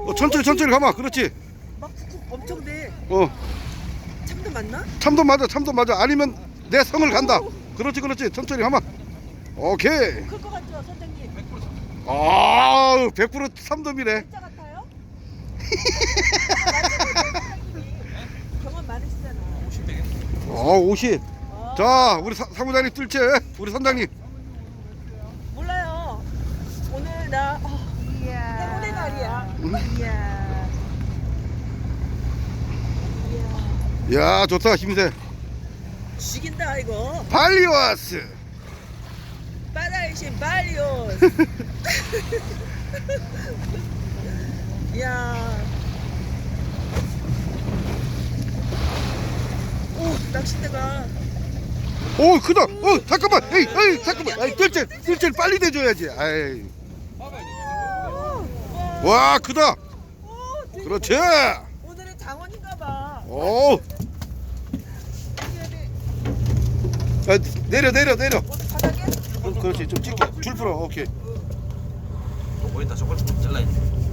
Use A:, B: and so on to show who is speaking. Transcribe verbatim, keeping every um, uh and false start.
A: 어, 천천히 천천히 가마. 그렇지.
B: 막 쿡쿡 엄청 돼.
A: 어,
B: 참도 맞나?
A: 참도 맞아, 참도 맞아. 아니면 내 성을 간다. 그렇지, 그렇지. 천천히 가마. 오케이.
B: 클 것 같죠, 선생님?
A: 아, 백 퍼센트 삼돔이네.
B: 진짜 같아요? 경험 많으시잖아.
A: 어, 오십.
B: 어,
A: 자, 우리 사, 사무장님 뜰채. 우리 선장님.
B: 몰라요. 오늘 나 어, 행운의 날이야.
C: 이야.
B: 이야,
A: 야, 좋다. 힘세.
B: 죽인다 이거.
A: 발리와스.
B: 바다의 신 발리오스. 이야. 오, 낚싯대가.
A: 오, 크다. 어, 잠깐만. 에이, 에이, 잠깐만. 아이, 뜰채, 뜰채 빨리 대줘야지. 아이. 와, 크다.
B: 오, 되게
A: 그렇지.
B: 오늘은 장원인가 봐.
A: 오. 아, 내려, 내려, 내려.
B: 어디 바닥에?
A: 어, 그렇지. 좀 찍게. 줄 풀어. 오케이.
D: 또 보인다. 저걸 잘라야지.